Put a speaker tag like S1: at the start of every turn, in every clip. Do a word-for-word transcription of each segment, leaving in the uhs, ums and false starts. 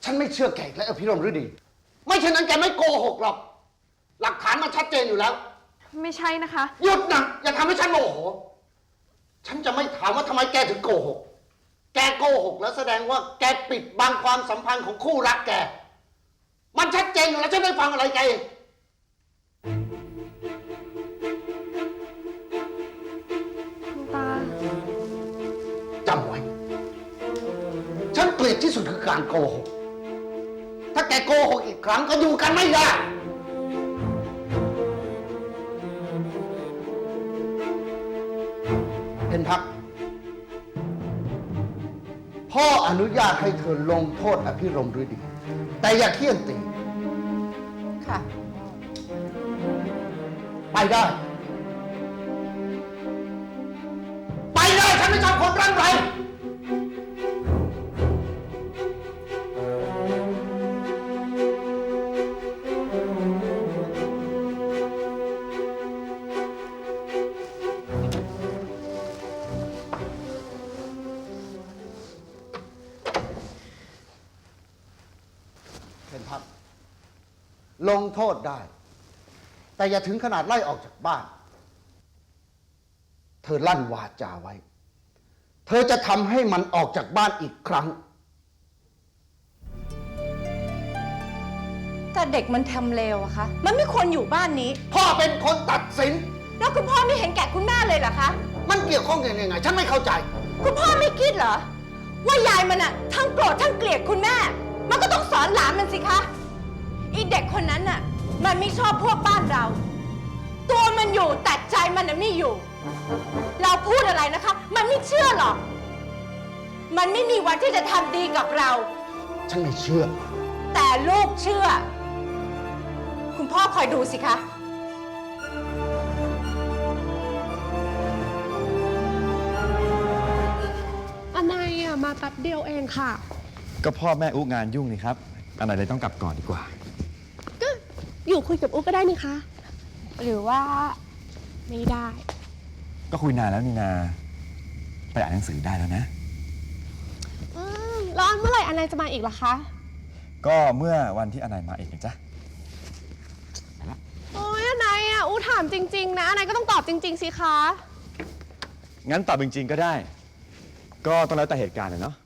S1: ฉันไม่เชื่อแกและอภิรมย์ฤดีไม่เช่นนั้นแกไม่โกหกหรอกหลักฐานมันชัดเจนอยู่แล้ว
S2: ไม่ใช่นะคะ
S1: หยุดนะอย่าทำให้ฉันโมโหฉันจะไม่ถามว่าทำไมแกถึงโกหกแกโกหกแล้วแสดงว่าแกปิดบังความสัมพันธ์ของคู่รักแกมันชัดเจนอยู่แล้วฉันไม่ฟังอะไรแก
S2: คุณตา
S1: จำไว้ฉันเกลียดที่สุดคือการโกหกถ้าแกโกหกอีกครั้งก็อยู่กันไม่ได้เพ็ญพักพ่ออนุญาตให้เธอลงโทษอภิรมย์ฤดีแต่อย่าเคี่ยนตี
S3: ค่ะ
S1: ไปได้ไปได้ฉันไม่ชอบคนร่ำไรลงโทษได้แต่อย่าถึงขนาดไล่ออกจากบ้านเธอลั่นวาจาไว้เธอจะทำให้มันออกจากบ้านอีกครั้ง
S3: แต่เด็กมันทำเลวอะคะมันไม่ควรอยู่บ้านนี้
S1: พ่อเป็นคนตัดสิน
S3: แล้วคุณพ่อไม่เห็นแก่คุณแม่เลยเหรอคะ
S1: มันเกี่ยวข้องยังไงฉันไม่เข้าใจ
S3: คุณพ่อไม่คิดเหรอว่ายายมันอะทั้งโกรธทั้งเกลียดคุณแม่มันก็ต้องสอนหลานมันสิคะอีเด็กคนนั้นน่ะมันไม่ชอบพวกบ้านเราตัวมันอยู่แต่ใจมันน่ะไม่อยู่เราพูดอะไรนะคะมันไม่เชื่อหรอกมันไม่มีวันที่จะทำดีกับเรา
S1: ฉันไม่เชื่อ
S3: แต่ลูกเชื่อคุณพ่อคอยดูสิคะ
S2: อะไรอ่ะมาแป๊บเดียวเองค่ะ
S4: ก็พ่อแม่อุ๊งานยุ่งนี่ครับอันไหนเลยต้องกลับก่อนดีกว่า
S2: ก็อยู่คุยกับอุ๊ก็ได้นี่คะหรือว่าไม่ได้
S4: ก็คุยนานแล้วนี่นาไปอ่านหนังสือได้แล้วนะ
S2: อืมแล้วเมื่อไหร่อนายจะมาอีกล่ะคะ
S4: ก็เมื่อวันที่อนายมาเองนะจ๊ะไปละ
S2: โอ้ยอนายอ่ะอุ๊ถามจริงๆนะอนายก็ต้องตอบจริงๆสิคะ
S4: งั้นตอบจริงๆก็ได้ก็ต้องแล้วแต่เหตุการณ์เนาะ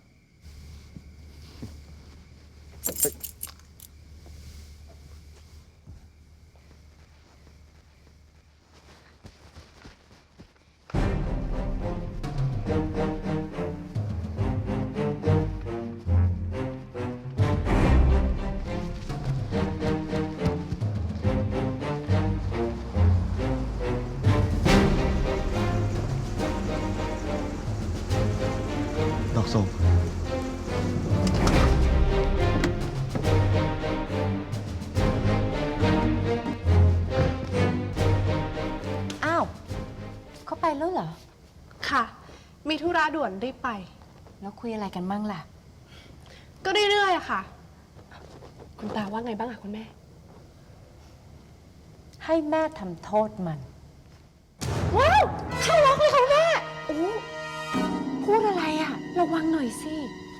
S4: ดอกส้ม
S3: อ้าวเขาไปแล้วเหรอ
S2: ค่ะมีธุระด่วนรีบไป
S3: แล้วคุยอะไรกันบ้างล่ะ
S2: ก็เรื่อยๆอะค่ะคุณตาว่าไงบ้างอะคุณแม่
S3: ให้แม่ทำโทษมัน
S2: ว้าวเข้าล็อกเลยค่ะแม่
S3: โอ้พูดอะไรอะระวังหน่อยสิ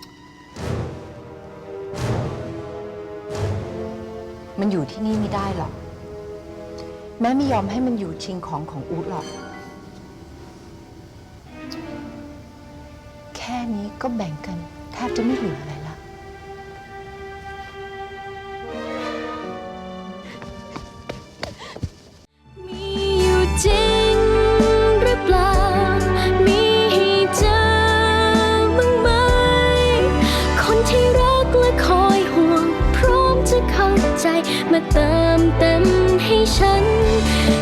S3: มันอยู่ที่นี่ไม่ได้หรอกแม่ไม่ยอมให้มันอยู่ชิงของของอู๊ดหรอกแค่นี้ก็แบ่งกันแทบจะไม่เหลืออะไรละ
S5: มีอยู่จริงหรือเปล่ามีให้เจอบ้างไหมคนที่รักและคอยห่วงพร้อมจะเข้าใจมาเติมเต็มให้ฉัน